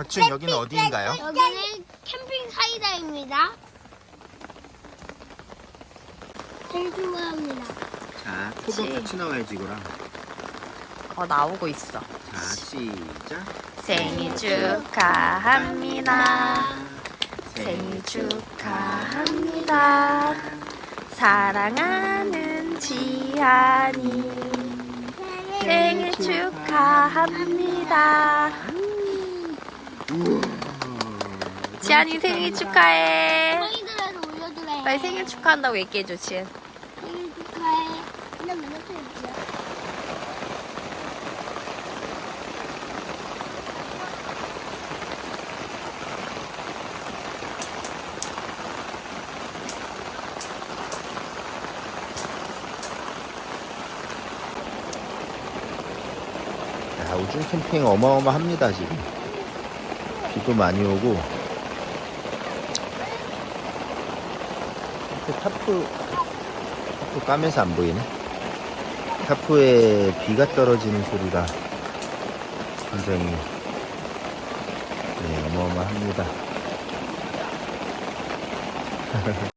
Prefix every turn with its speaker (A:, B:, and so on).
A: 거친 여기는 어디인가요?
B: 여기는 캠핑 사이다입니다. 제일 좋아합니다.
A: 자, 토도 같이 나와야지 이거랑.
C: 나오고 있어.
A: 자, 시작.
C: 생일 축하합니다. 생일 축하합니다. 사랑하는 지한이 생일 축하합니다. 지한이 생일 축하해.
B: 저희들에서 올려주래.
C: 빨리 생일 축하한다고 얘기해줘, 지은.
B: 생일 축하해. 근데 몇 살이야?
A: 야, 우중 캠핑 어마어마합니다 지금. 비도 많이 오고. 타프 까매서 안 보이네. 타프에 비가 떨어지는 소리가 굉장히 어마어마합니다.